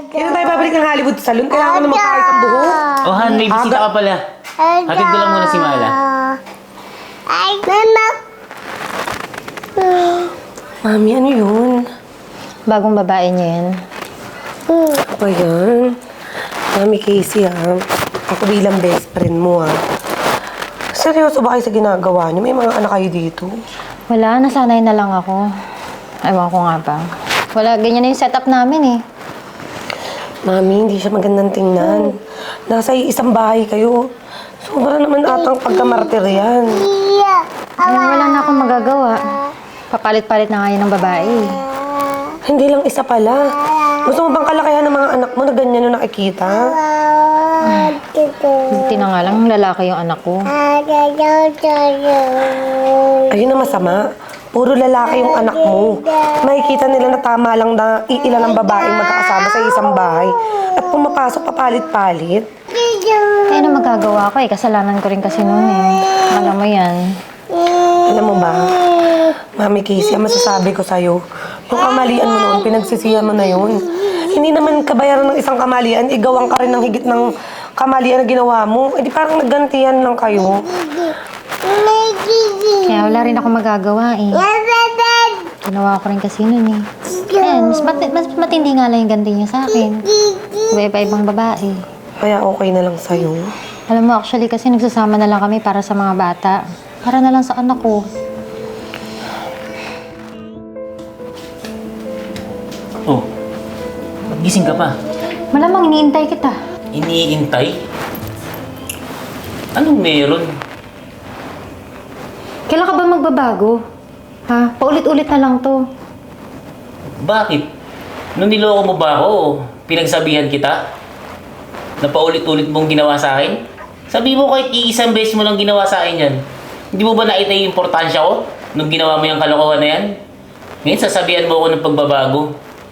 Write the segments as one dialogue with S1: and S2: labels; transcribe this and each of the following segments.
S1: Kailan tayo babalik ng Hollywood Salon? Kailangan ko na magpakayos ang buhok.
S2: Oh, Han, may bisita ka pala. Hatid ko lang muna si Mala.
S1: Mami, ano yun?
S3: Bagong babae niya yan.
S1: Ano ba yan? Mami Casey, ha? Ako bilang best friend mo, ha? Seryoso ba kayo sa ginagawa niyo? May mga anak kayo dito?
S3: Wala, nasanay na lang ako. Ewan ko nga ba. Wala, ganyan na yung setup namin eh.
S1: Mami, hindi siya magandang tingnan. Nasa isang bahay kayo. Sobra naman atang pagkamartir yan.
S3: Ay, wala na akong magagawa. Papalit-palit na nga yun ng babae.
S1: Hindi lang isa pala. Gusto mo bang kalakihan ng mga anak mo na ganyan yung nakikita?
S3: Buti na nga lang, lalaki yung anak ko.
S1: Ayun na masama. Puro lalaki yung anak mo. Makikita nila na tama lang na iilan ang babaeng magkakasama sa isang bahay. At pumapasok papalit-palit.
S3: Eh, ano magagawa ko eh? Kasalanan ko rin kasi noon eh. Alam mo yan.
S1: Alam mo ba, Mami Casey, ang masasabi ko sa'yo, yung kamalian mo noon, pinagsisihan mo na yun. Hindi naman kabayaran ng isang kamalian, igawang ka rin ng higit ng kamalian na ginawa mo. Eh di parang naggantihan lang kayo.
S3: Kaya wala rin ako magagawa eh. Ginawa ko rin kasi noon eh. Ayan, mas matindi nga lang yung ganti niya sa akin. Iba-ibang babae.
S1: Kaya okay na lang sa'yo.
S3: Alam mo, actually kasi nagsasama na lang kami para sa mga bata. Para na lang sa anak ko.
S2: Oh, ba't gising ka pa?
S3: Malamang iniintay kita.
S2: Iniintay? Anong meron?
S3: Kailan ka ba magbabago? Ha? Paulit-ulit na lang to.
S2: Bakit? Nung niloko mo ba ako, pinagsabihan kita? Na paulit-ulit mong ginawa sa akin? Sabi mo kahit iisang beses mo lang ginawa sa akin yan. Hindi mo ba nakita yung importansya ko nung ginawa mo yung kalokohan na yan? Ngayon sasabihan mo ako ng pagbabago.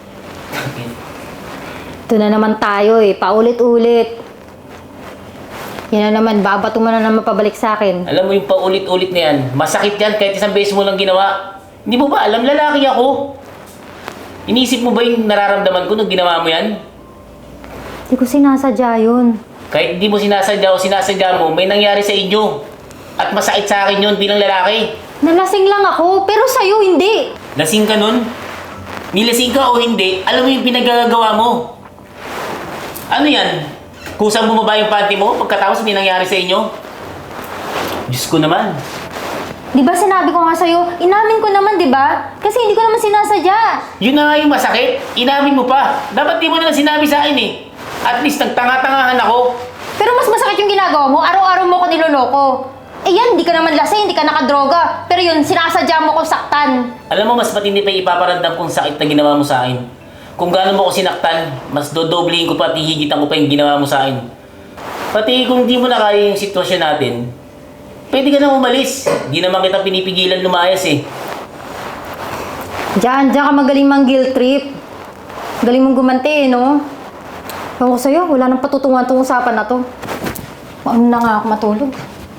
S3: Ito na naman tayo eh. Paulit-ulit. Yan na naman. Babato mo na naman pabalik sa akin.
S2: Alam mo yung paulit-ulit na yan, masakit yan kahit isang beses mo lang ginawa. Hindi mo ba alam, lalaki ako? Inisip mo ba yung nararamdaman ko nung ginawa mo yan?
S3: Hindi ko sinasadya yun.
S2: Kahit hindi mo sinasadya o sinasadya mo, may nangyari sa inyo. At masakit sa akin yun bilang lalaki.
S3: Nalasing lang ako, pero sa'yo hindi.
S2: Lasing ka nun? Nilasing ka o hindi, alam mo yung pinagagawa mo. Ano yan? Kusang bumaba yung panty mo pagkatapos may nangyari sa inyo? Diyos ko naman.
S3: Di ba sinabi ko nga sa'yo, inamin ko naman, di ba? Kasi hindi ko naman sinasadya.
S2: Yun na nga yung masakit. Inamin mo pa. Dapat di mo na lang sinabi sa akin eh. At least nagtanga-tangahan ako.
S3: Pero mas masakit yung ginagawa mo, araw-araw mo ko niloloko. Eh yan, hindi ka naman lasing, hindi ka nakadroga. Pero yun, sinasadya mo ko saktan.
S2: Alam mo, mas matindi pa ipaparamdam kung sakit na ginawa mo sa akin. Kung gaano mo ko sinaktan, mas dodoblihin ko pa at hihigitan ko pa yung ginawa mo sa akin. Pati kung di mo na kaya yung sitwasyon natin, pwede ka na umalis. Di naman kita pinipigilan lumayas eh.
S3: Diyan ka magaling mang guilt trip. Galing mong gumanti eh, no? Ewan ko sa'yo, wala nang patutungan tong usapan na to. Ano na nga ako matulog.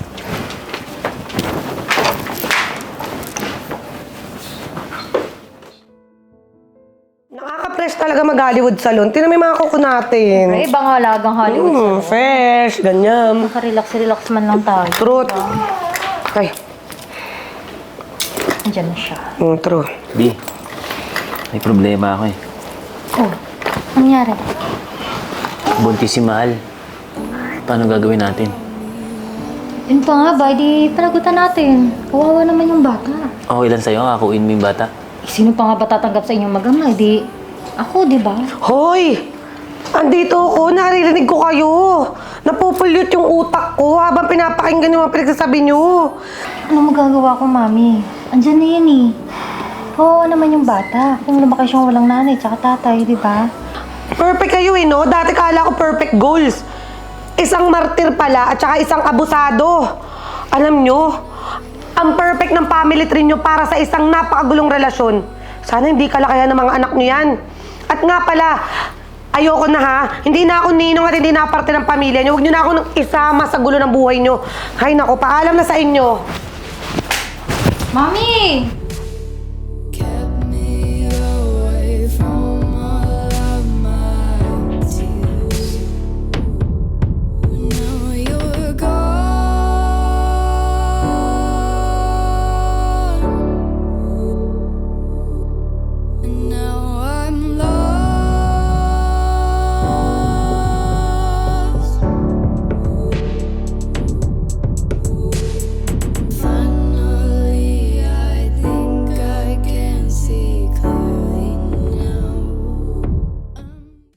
S1: Nakaka-fresh talaga mag-Hollywood Salon. Tingnan mo yung mga kuko natin.
S3: Ay, ibang halagang Hollywood.
S1: Fresh, ganyan.
S3: Makarelax-relax man lang tayo.
S1: Truth. Ay,
S3: Andiyan na siya.
S1: true.
S2: Di, may problema ako eh.
S3: Oh, ano nangyari?
S2: Buntis si Mahal. Paano gagawin natin?
S3: Yun pa nga ba, di panagutan natin. Kawawa naman yung bata.
S2: Okay lang sa'yo, kakuin mo yung bata.
S3: Eh, sino pa nga ba tatanggap sa inyong magama? Di, ako, di ba?
S1: Hoy! Andito ako, naririnig ko kayo. Napupulyot yung utak ko habang pinapakinggan yung mga pinagsasabi nyo.
S3: Ano magagawa ko, Mami? Andyan na yan eh. Oo naman yung bata. Kung lumaki siyang walang nanay tsaka tatay, di ba?
S1: Perfect kayo eh, no? Dati kala ko perfect goals. Isang martir pala at saka isang abusado. Alam nyo, ang perfect ng family tree nyo para sa isang napakagulong relasyon. Sana hindi kalakayan ng mga anak nyo yan. At nga pala, ayoko na ha. Hindi na ako ninong at hindi na ako parte ng pamilya nyo. Huwag nyo na ako isama sa gulo ng buhay nyo. Hay nako, paalam na sa inyo.
S3: Mami!